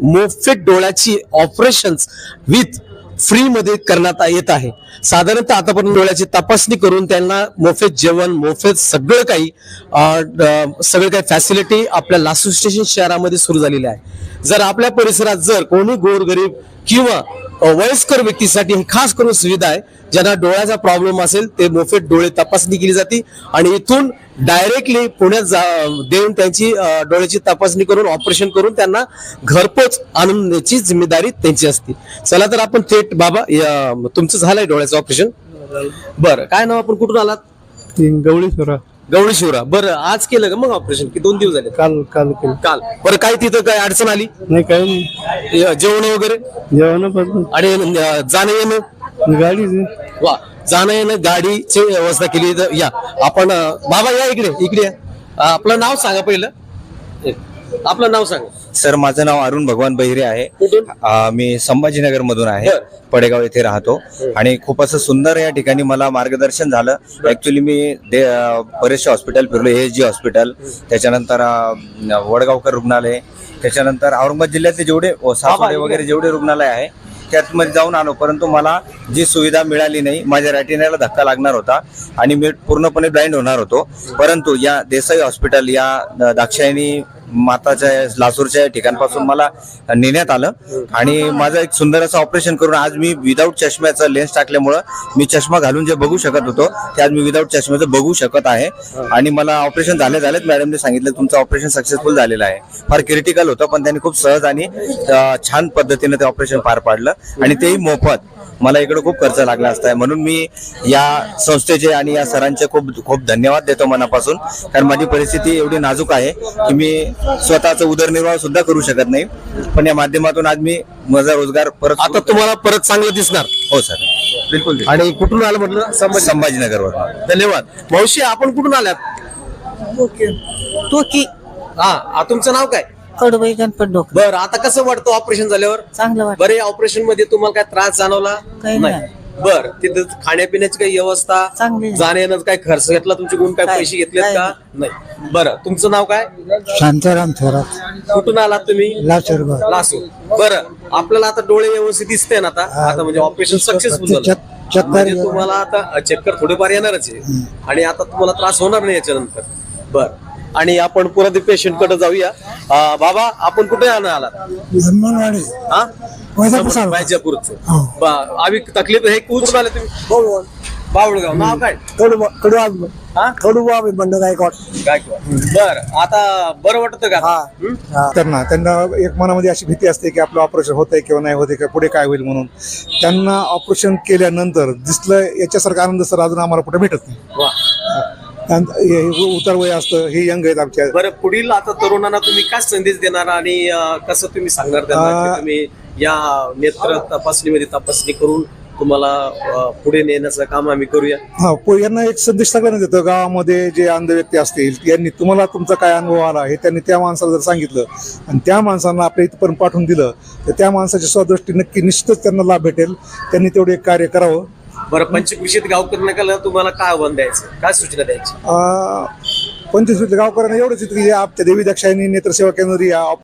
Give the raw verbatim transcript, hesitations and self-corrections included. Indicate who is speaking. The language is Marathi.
Speaker 1: मोफत डोळ्याची ऑपरेशन्स विथ फ्री मध्ये करण्यात येत आहे. साधारणतः आतापर्यंत डोळ्याची तपासणी करून त्यांना मोफत जेवण, मोफत सगळं काही सगळं काही फॅसिलिटी आपल्या लासूर स्टेशन शहरामध्ये सुरू झालेली आहे. जर आपल्या परिसरात जर कोणी गोरगरीब किंवा वयस्कर व्यक्तीसाठी ही खास करून सुविधा आहे. ज्यांना डोळ्याचा प्रॉब्लेम असेल ते मोफत डोळे तपासणी केली जाते आणि इथून डायरेक्टली पुण्यात देऊन त्यांची डोळ्याची तपासणी करून ऑपरेशन करून त्यांना घरपोच आणण्याची जिम्मेदारी त्यांची असते. चला तर आपण थेट बाबा तुमचं झालंय डोळ्याचं ऑपरेशन. बरं, काय नाव, आपण कुठून आलात?
Speaker 2: गवळी शिवरा.
Speaker 1: गवळी शिवरा. बरं, आज केलं का मग ऑपरेशन की दोन दिवस झाले?
Speaker 2: काल काल केलं.
Speaker 1: काल. बरं, काय तिथं काय अडचण आली
Speaker 2: नाही? काही नाही.
Speaker 1: जेवण वगैरे?
Speaker 2: जेवण पण
Speaker 1: आणि जाणं येणं?
Speaker 2: गाडी.
Speaker 1: वा, जाणं येणं गाडीची व्यवस्था केली. तर या आपण बाबा या इकडे इकडे या. आपलं नाव सांगा पहिलं. आपलं नाव सांगा.
Speaker 3: सर, माझं नाव अरुण भगवान बहिरे आहे.
Speaker 1: कुठून?
Speaker 3: अ, मी संभाजीनगर मधून आहे.
Speaker 1: बर.
Speaker 3: पडेगाव येथे राहतो आणि खूप असं सुंदर या ठिकाणी मला मार्गदर्शन झालं. ऍक्च्युली मी दे- अ, बरेचसे हॉस्पिटल फिरलो. एस जी हॉस्पिटल, त्याच्यानंतर अ, वडगावकर रुग्णालय, त्याच्यानंतर औरंगाबाद जिल्ह्यातले जेवढे सासवडे वगैरे जेवढे रुग्णालय आहे त्यातमध्ये जाऊन आलो, परंतु मला जी सुविधा मिळाली नाही. माझ्या रॅटिनाला धक्का लागणार होता आणि मी पूर्णपणे ब्लाइंड होणार होतो. परंतु या देसाई हॉस्पिटल या दाक्षायणी माताच्या लासूरच्या ठिकाणापासून मला नेण्यात आलं आणि माझं एक सुंदर असं ऑपरेशन करून आज मी विदाऊट चष्म्याचं लेन्स टाकल्यामुळं मी चष्मा घालून जे बघू शकत होतो ते आज मी विदाऊट चष्म्याचं बघू शकत आहे. आणि मला ऑपरेशन झाले झालेत मॅडमने सांगितलं तुमचं ऑपरेशन सक्सेसफुल झालेलं आहे. फार क्रिटिकल होतं पण त्यांनी खूप सहज आणि छान पद्धतीने ते ऑपरेशन पार पाडलं आणि तेही मोफत. मला इकडे खूप खर्च लागला असता, म्हणून मी या संस्थेचे आणि या सरांचे खूप खूप धन्यवाद देतो मनापासून. कारण माझी परिस्थिती एवढी नाजूक आहे की मी स्वतःचा उदरनिर्वाह सुद्धा करू शकत नाही, पण या माध्यमातून आज मी माझा रोजगार परत.
Speaker 1: आता तुम्हाला परत चांगलं दिसणार.
Speaker 3: हो सर, बिलकुल.
Speaker 1: आणि कुठून आलं म्हटलं? संभाजी
Speaker 3: संभाजीनगरवर.
Speaker 1: धन्यवाद. मावशी, आपण कुठून आल्यात?
Speaker 4: तो की
Speaker 1: हा, तुमचं नाव काय?
Speaker 4: कडबाई गणपत डोक.
Speaker 1: बरं, आता कसं वाटतं ऑपरेशन झाल्यावर?
Speaker 4: चांगलं वाटत.
Speaker 1: बरे, ऑपरेशन मध्ये तुम्हाला काय त्रास जाणवला?
Speaker 4: काही नाही.
Speaker 1: बर, तिथं खाण्यापिण्याची काही व्यवस्था,
Speaker 4: चांगली.
Speaker 1: जाण्याचं काय खर्च घेतला तुमचे कोण काय
Speaker 4: काय-
Speaker 1: पैसे घेतलेत
Speaker 4: काय
Speaker 1: का? नाही. बरं, तुमचं नाव काय?
Speaker 2: शांताराम थोरात,
Speaker 1: कुठून आलात तुम्ही?
Speaker 2: लासूर.
Speaker 1: लासूर. बरं, आपल्याला आता डोळे व्यवस्थित दिसते ना आता? आता म्हणजे ऑपरेशन सक्सेसफुल झालं.
Speaker 2: चक्कर
Speaker 1: म्हणजे तुम्हाला आता चक्कर थोडेफार येणारच आहे आणि आता तुम्हाला त्रास होणार नाही याच्यानंतर. बर, आणि आपण पुन्हा पेशंट कडे जाऊया. अं, बाबा, आपण कुठे आलात?
Speaker 2: ब्रह्मवाडी.
Speaker 1: हा,
Speaker 2: वैजापूर.
Speaker 1: वैजापूरचं.
Speaker 2: हो.
Speaker 1: बरं, आम्ही तकलीफ हे कुठून आले तुम्ही? बावळगाव. नाव काय?
Speaker 2: कडू कडू
Speaker 1: हा,
Speaker 2: कडू बंड गायकवाड.
Speaker 1: गायकवाड. बर, आता बरं वाटतं का? हं?
Speaker 2: त्यांना त्यांना एक मनामध्ये अशी भीती असते की आपलं ऑपरेशन होतंय किंवा नाही होते का, पुढे काय होईल म्हणून. त्यांना ऑपरेशन केल्यानंतर दिसलं याच्यासारखा आनंद सर अजून आम्हाला कुठे भेटत नाही.
Speaker 1: वा.
Speaker 2: उतार वय असतं, हे यंग आहेत आमच्या.
Speaker 1: बरं, पुढील आता तरुणांना तुम्ही काय संदेश देणार आणि अं, कसं तुम्ही सांगणार त्यांना की
Speaker 2: अं,
Speaker 1: तुम्ही या नेत्र तपासणीमध्ये तपासणी करून तुम्हाला अं, पुढे नेण्याचं काम आम्ही करूया?
Speaker 2: हा, प- यांना एक संदेश सगळ्यांना देतो. गावामध्ये जे अंध व्यक्ती असतील यांनी तुम्हाला तुमचा काय अनुभव आला हे त्यांनी त्या माणसाला जर सांगितलं आणि त्या माणसांना आपल्या इथपर्यंत पाठवून दिलं तर त्या माणसाच्या स्वदृष्टी नक्की निश्चितच त्यांना लाभ भेटेल. त्यांनी तेवढे एक कार्य करावं.
Speaker 1: बरं, पंचकृषीत गावकऱ्यांना तुम्हाला काय आव्हान द्यायचं, काय सूचना द्यायची?
Speaker 2: पंचवीस गावकऱ्यांना एवढंच येतं की या आपल्या देवी दाक्षायणी नेत्रसेवा केंद्र या